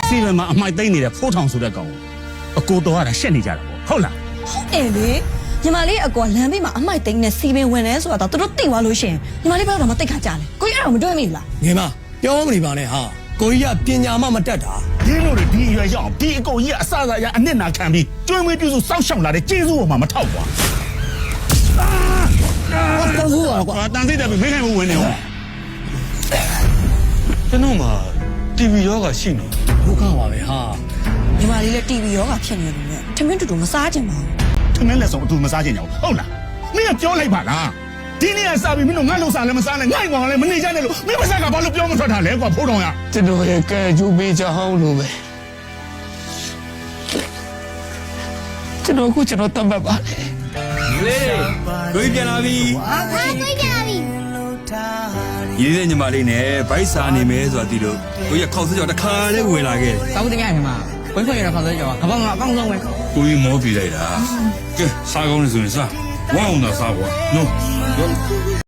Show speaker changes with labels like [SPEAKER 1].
[SPEAKER 1] စီမံမှာအမိုက်သိမ့်နေတဲ့ဖိုးထောင်ဆိုတဲ့ကောင်အကိုတော်ရတာရှက်နေကြတာပေါ့ဟုတ်လား
[SPEAKER 2] ဟုတ်တယ်လေညီမလေးအကောလမ်းဘေးမှာအမိုက်သိမ်းနဲ့စီပင်ဝင်နေဆိုတာတော့သူတို့သိသွားလို့ရှင်ညီမလေးဘက်တော့မသိခါကြလေကိုကြီးအဲ့တော့မတွေ့မိဘူးလား
[SPEAKER 3] ငယ်မပြောမနေပါနဲ့ဟာကိုကြီးကပညာမှမတတ်တာ
[SPEAKER 1] ဒီလိုတွေဒီရွယ်ရောက်ဒီအကုန်ကြီးကအစအစရအနစ်နာခံပြီးကျွေးမွေးပြုစုစောက်ရှောက်လာတဲ့ကျေးဇူးပေါ်မှာမထောက်ပါ
[SPEAKER 3] တော်ဘူးပါကွာ
[SPEAKER 1] တန်စိတ်တယ်မိခိုင်မဝင်နေဟုတ်
[SPEAKER 4] ကျွန်တော်မှာ TV ရောဂါရှိနေ
[SPEAKER 3] ဒုက္ခပါပဲဟာ
[SPEAKER 2] ညီမလေးလည်း TV ရောဂါဖြစ်နေတယ်လေထမင်းတူတူမစားကြင်ပါဘူး
[SPEAKER 1] ထမင်းလက်ဆောင်အတူမစားချင်ကြဘူးဟုတ်လားမင်းကပြောလိုက်ပါလားဒီနေ့ကစပြီးမင်းတို့ငါ့လုံစားလည်းမစားနဲ့ငါ့ကောင်လည်းမနေကြနဲ့လို့မင်းမစားကဘာလို့ပြောမထွက်တာလဲကွာဖိုးတော်ရ
[SPEAKER 4] ကျွန်တော်ရဲ့ကဲကျူးပေးချောင်းလို့ပဲကျွန်တော်တတ်မှတ်ပါလေကိုကြီးပြန်လာပြီ
[SPEAKER 5] ဟာကိုကြပြီ
[SPEAKER 4] ရေးတဲ့ညီမလေးနဲ့ဗိုက်စာနေမယ်ဆိုတာဒီလိုကိုကြီးခေါက်စကြောတခါလေးဝင်လာခဲ့
[SPEAKER 6] တောင်းတရရမှာဝိခွင့်ရတဲ့ခေါင်းစကြောကဘာမှအကောင်းဆုံးပဲ
[SPEAKER 4] ကိုကြီးမောပြလိုက်တာကဲစားကောင်းနေဆိုရင်စားဝမ်းအောင်တော့စားကွာနော်